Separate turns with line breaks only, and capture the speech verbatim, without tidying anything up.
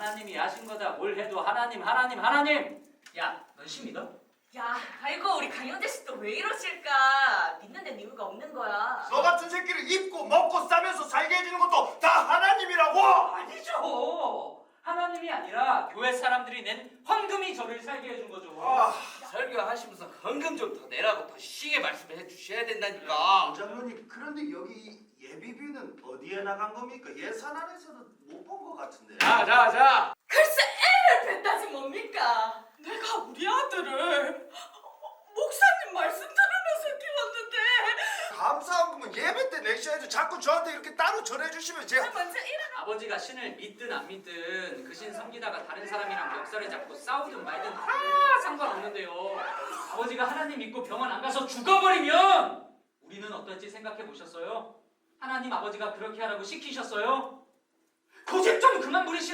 하나님이 하신 거다. 뭘 해도 하나님 하나님 하나님. 야, 넌 신 믿어?
야, 아이고 우리 강영재 씨 또 왜 이러실까? 믿는 데는 이유가 없는 거야.
너 같은 새끼를 입고 먹고 싸면서 살게 해주는 것도 다 하나님이라고!
아니죠. 하나님이 아니라 교회 사람들이 낸 황금이 저를 살게 해준 거죠.
아,
설교하시면서 헌금 좀 더 내라고 더 시게 말씀을 해주셔야 된다니까.
장로님, 그런데 여기 예비비는 어디에 나간 겁니까? 예산안에서는 못 본 것 같은데.
자, 자, 자.
글쎄 애를 뱉다지 뭡니까? 내가 우리 아들을 목사님 말씀 들으면서 키웠는데
감사한 거면 예배 때 내셔야죠. 자꾸 저한테 이렇게 따로 전해주시면 제가
먼저 일어나.
아버지가 신을 믿든 안 믿든 그 신 섬기다가 다른 사람이랑 역사를 잡고 싸우든 말든 다 상관없는데요. 아버지가 하나님 믿고 병원 안 가서 죽어버리면 우리는 어떨지 생각해 보셨어요? 하나님 아버지가 그렇게 하라고 시키셨어요? 고집 좀 그만 부리시고